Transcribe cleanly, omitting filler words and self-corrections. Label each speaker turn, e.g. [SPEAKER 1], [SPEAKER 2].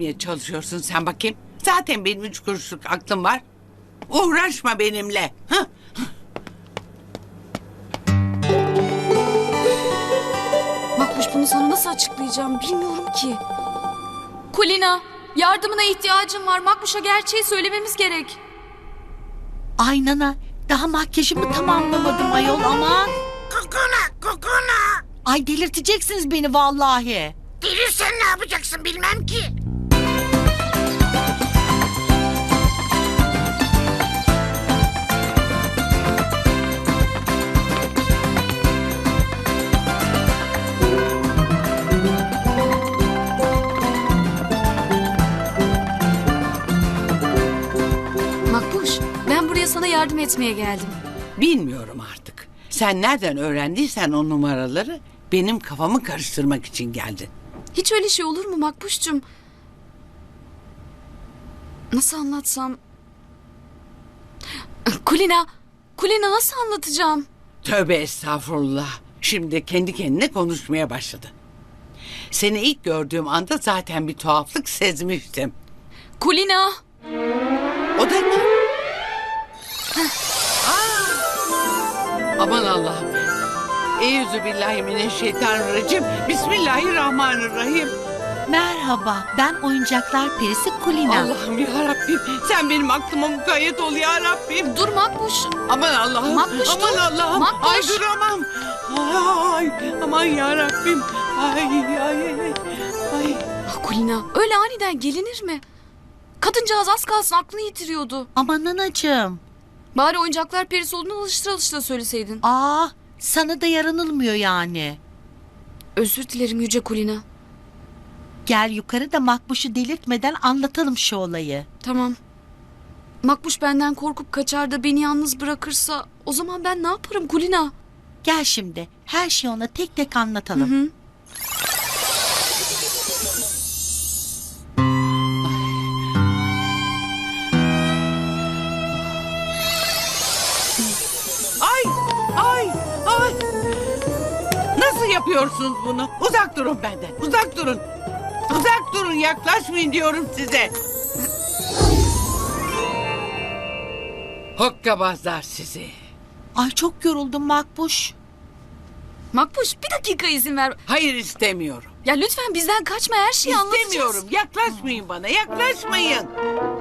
[SPEAKER 1] yapmaya çalışıyorsun sen bakayım? Zaten benim 3 kuruşluk aklım var. Uğraşma benimle. Hah.
[SPEAKER 2] Makbuş, bunu sana nasıl açıklayacağım bilmiyorum ki. Kulina, yardımına ihtiyacım var. Makbuş'a gerçeği söylememiz gerek.
[SPEAKER 3] Ay nana, daha makyajımı tamamlamadım ayol aman.
[SPEAKER 4] Kokona.
[SPEAKER 3] Ay delirteceksiniz beni vallahi.
[SPEAKER 4] Delirsen ne yapacaksın bilmem ki.
[SPEAKER 2] Makbuş, ben buraya sana yardım etmeye geldim.
[SPEAKER 1] Bilmiyorum artık. Sen nereden öğrendiysen o numaraları benim kafamı karıştırmak için geldin.
[SPEAKER 2] Hiç öyle şey olur mu Makbuş'cum? Nasıl anlatsam? Kulina nasıl anlatacağım?
[SPEAKER 1] Tövbe estağfurullah. Şimdi kendi kendine konuşmaya başladı. Seni ilk gördüğüm anda zaten bir tuhaflık sezmiştim.
[SPEAKER 2] Kulina!
[SPEAKER 1] O da kim? Aman Allah'ım. Euzubillahimineşşeytanirracim. Bismillahirrahmanirrahim.
[SPEAKER 3] Merhaba, ben oyuncaklar perisi Kulina.
[SPEAKER 1] Allah'ım ya Rabbim. Sen benim aklıma mukayyet ol ya Rabbim.
[SPEAKER 2] Dur Makbuş!
[SPEAKER 1] Aman Allah'ım.
[SPEAKER 2] Makbuş,
[SPEAKER 1] aman
[SPEAKER 2] dur.
[SPEAKER 1] Allah'ım.
[SPEAKER 2] Makbuş.
[SPEAKER 1] Ay duramam. Ay aman ya Rabbim. Ay.
[SPEAKER 2] Kulina, öyle aniden gelinir mi? Kadıncağız az kalsın aklını yitiriyordu.
[SPEAKER 3] Aman nanacığım.
[SPEAKER 2] Bari oyuncaklar perisi olduğunu alıştıra söyleseydin.
[SPEAKER 3] Aa, sana da yaranılmıyor yani.
[SPEAKER 2] Özür dilerim Yüce Kulina.
[SPEAKER 3] Gel yukarı da Makbuş'u delirtmeden anlatalım şu olayı.
[SPEAKER 2] Tamam. Makbuş benden korkup kaçar da beni yalnız bırakırsa o zaman ben ne yaparım Kulina?
[SPEAKER 3] Gel şimdi, her şeyi ona tek tek anlatalım.
[SPEAKER 2] Hı.
[SPEAKER 1] Ay. Nasıl yapıyorsunuz bunu? Uzak durun benden. Uzak durun. Uzak durun, yaklaşmayın diyorum size. Hokkabazlar sizi.
[SPEAKER 3] Ay çok yoruldum Makbuş.
[SPEAKER 2] Makbuş bir dakika izin ver.
[SPEAKER 1] Hayır istemiyorum.
[SPEAKER 2] Ya lütfen bizden kaçma, her şeyi anlatacağız.
[SPEAKER 1] İstemiyorum. Yaklaşmayın bana. Yaklaşmayın.